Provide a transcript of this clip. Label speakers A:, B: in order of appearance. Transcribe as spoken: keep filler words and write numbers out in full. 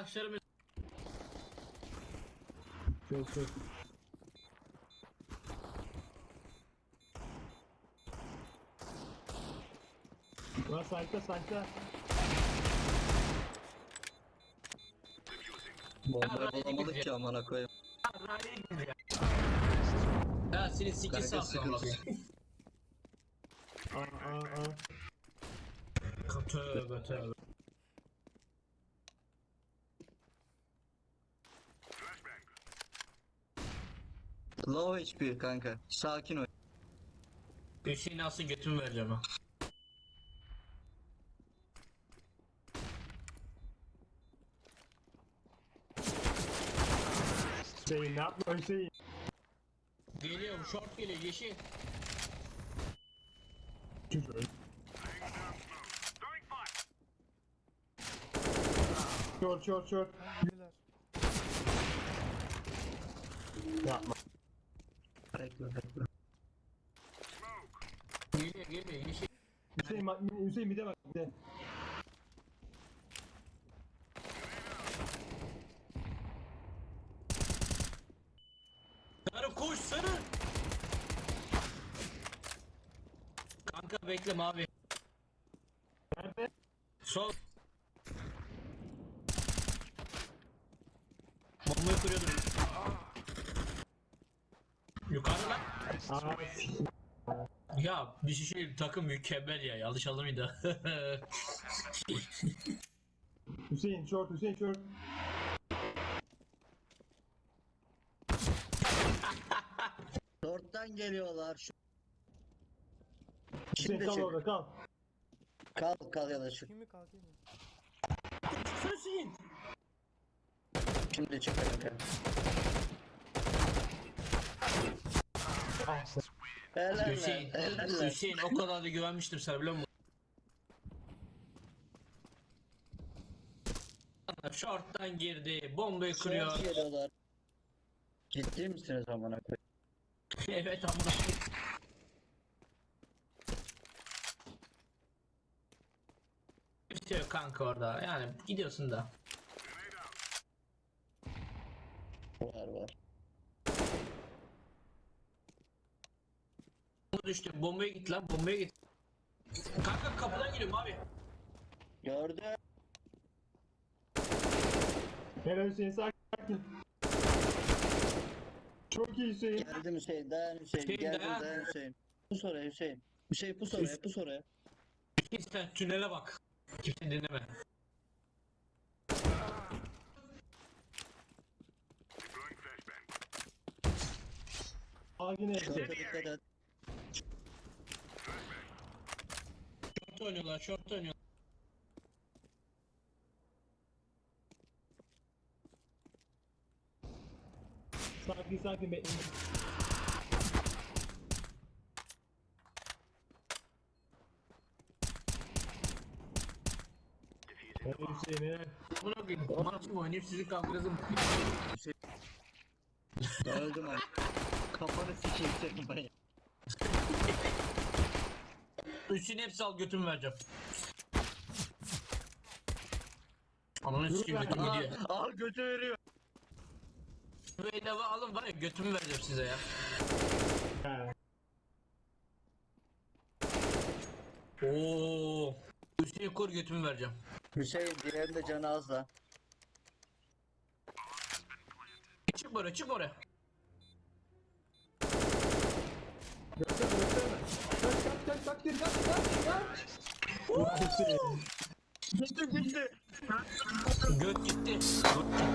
A: Arkadaşlarımız
B: Çok çok. Lan sayta sayta.
C: Bombayı bulamadık ki amına koyayım.
A: ya senin siki
C: Kanka
A: sağ
C: sıkıntı.
B: Aa aa aa.
A: Tövbe tövbe.
C: Low H P kanka. Sakin ol.
A: Hüseyin alsın götümü vereceğim ha.
B: Hüseyin ne yapma Hüseyin.
A: Geliyorum short geliyor yeşil.
B: Küfür. Şort şort şort.
D: Neler?
B: Yapma.
C: Bekle bekle.
A: Geliyor geliyor yeşil.
B: Hüseyin bak Hüseyin bir de bak bir de.
A: Sarı koş sarı. Kanka bekle mavi.
B: Nerede?
A: Sol. Bombayı kırıyordum. Yukarıda lan.
B: Aa.
A: Ya bir şey takım mükemmel ya yanlış anlamayın da.
B: Hüseyin şort Hüseyin şort.
C: Short'tan geliyorlar. Şu...
B: Hüseyin
C: Şimdi
B: kal
C: çık.
B: orada kal.
C: Kal kal ya da çık.
D: Kimi kalkayım mı?
A: Hüseyin.
C: Şimdi çık kanka.
B: Ah sen.
C: Helal
A: Hüseyin,
C: lan. Helal lan.
A: Hüseyin o kadar da güvenmiştim sana biliyor musun? Short'tan girdi, bombayı kırıyor.
C: Short geliyorlar. Ciddi misiniz amına koyayım?
A: Evet amına. Bitiyor kanka orada. Yani gidiyorsun da.
C: Var var.
A: Bomba düştü. Bombaya git lan, bombaya git. Kanka kapıdan giriyorum abi.
C: Gördüm.
B: Helal Hüseyin sakin. Çok iyi Hüseyin.
C: Geldim Hüseyin. Dayan Hüseyin.
A: Hüseyin,
C: Geldim
A: dayan.
C: dayan Hüseyin. Pus oraya Hüseyin. Hüseyin pus oraya pus oraya.
A: Git sen tünele bak. Kimse dinleme.
B: Aa yine
C: Şorta
B: Hüseyin.
C: dikkat et.
A: Short oynuyorlar, short oynuyorlar.
B: Sakin sakin bekleyin. Helal Hüseyin helal.
A: Buna koyayım. Maç mı oynayıp sizi kavgasın.
C: Öldüm abi. Kafanı sikeyim senin ben.
A: Üstüne hepsi al götümü vereceğim. Ananı sikeyim götüm
C: Aa,
A: gidiyor.
C: al götü veriyor.
A: Bedava alın var ya götümü vereceğim size ya.
B: Ha.
A: Oo. Üstüne kur götümü vereceğim.
C: Hüseyin diğerinin de canı az da.
A: Çık oraya çık oraya.
B: Göster göster. Kaç kaç kaç kaç geri kaç kaç kaç. Ulan Hüseyin.
C: Gitti gitti.
A: Göt gitti. Göt